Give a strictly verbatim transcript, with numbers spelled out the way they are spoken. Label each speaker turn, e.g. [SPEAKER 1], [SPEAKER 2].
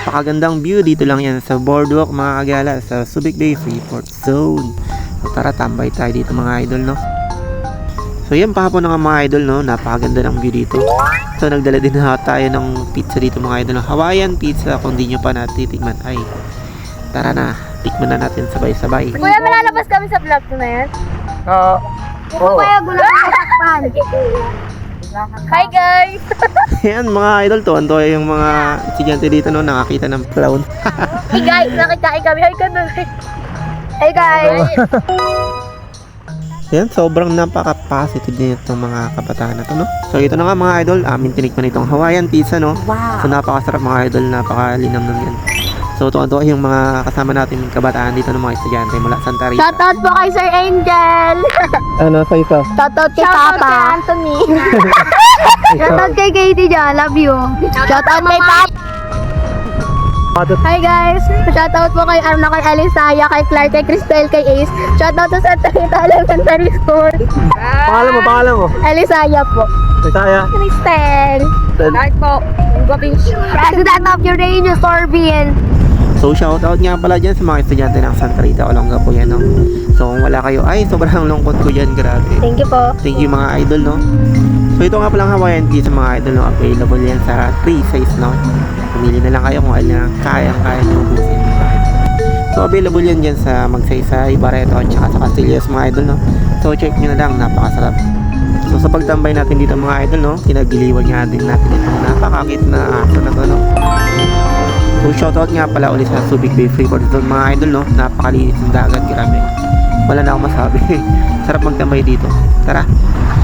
[SPEAKER 1] napakagandang view. Dito lang yan sa boardwalk mga kagala, sa Subic Bay Freeport Zone. So tara, tambay tayo dito mga idol, no. So yan, pahapon na nga mga idol, no. Napakaganda ng view dito. So nagdala din na tayo ng pizza dito mga idol, no? Hawaiian pizza. Kung di nyo pa natitikman, ay tara na, tikman na natin sabay-sabay.
[SPEAKER 2] Kuya, malalabas kami sa vlog ko na yan.
[SPEAKER 3] Oo. Oo.
[SPEAKER 2] Kuya, gulang katakpan. Hi guys!
[SPEAKER 1] Yan mga idol, tuwan-tuwa yung mga estudyante dito, no, nakakita ng clown.
[SPEAKER 2] Hey guys, nakikain kami. Hi ka nun. Hey guys!
[SPEAKER 1] Yan, sobrang napaka-positive din itong mga kabataan na to, no. So ito na nga mga idol, amin tinikman itong Hawaiian pizza, no.
[SPEAKER 2] Wow!
[SPEAKER 1] So napakasarap mga idol, napakalinam ng yan. So tuwan-tuwa yung mga kasama natin kabataan dito ng mga estudyante mula Santa Rita.
[SPEAKER 2] Shoutout po kay Sir Angel!
[SPEAKER 3] Ano sa ito?
[SPEAKER 2] Shoutout kay Papa! Kay Anthony! Shoutout kay Katie dyan, love you! Shoutout kay Papa! Hi guys! Shoutout po kay Arna, kay Alisaya, kay Clark, kay Cristel, kay Ace. Shoutout sa Santa Rita Elementary School.
[SPEAKER 3] Pangalan mo, pangalan mo.
[SPEAKER 2] Alisaya po.
[SPEAKER 3] Saya.
[SPEAKER 2] Cristel. Clark po. President of Uranus Sorbian.
[SPEAKER 1] So shoutout nga pala dyan sa mga estudyante ng Santa Rita, Olonga po yan, no. So kung wala kayo, ay sobrang lungkot ko dyan, grabe.
[SPEAKER 2] Thank you po.
[SPEAKER 1] Thank you mga idol, no. So ito nga palang Hawaiian pizza mga idol, no. Available yan sa three size, no. Pumili na lang kayo kung alin na kaya-kaya nyo ubusin. So available yan dyan sa Magsaysay, Barreto, at saka sa Castillas mga idol, no. So check nyo na lang, napakasarap. So sa pagtambay natin dito mga idol, no, kinagiliwan nga din natin itong napakakit na aso na to, no. So shoutout nga pala ulit sa Subic Bay Freeport Zone mga idol, no. Napakalinis ng dagat, grabe. Wala na akong masabi. Sarap magtambay dito. Tara.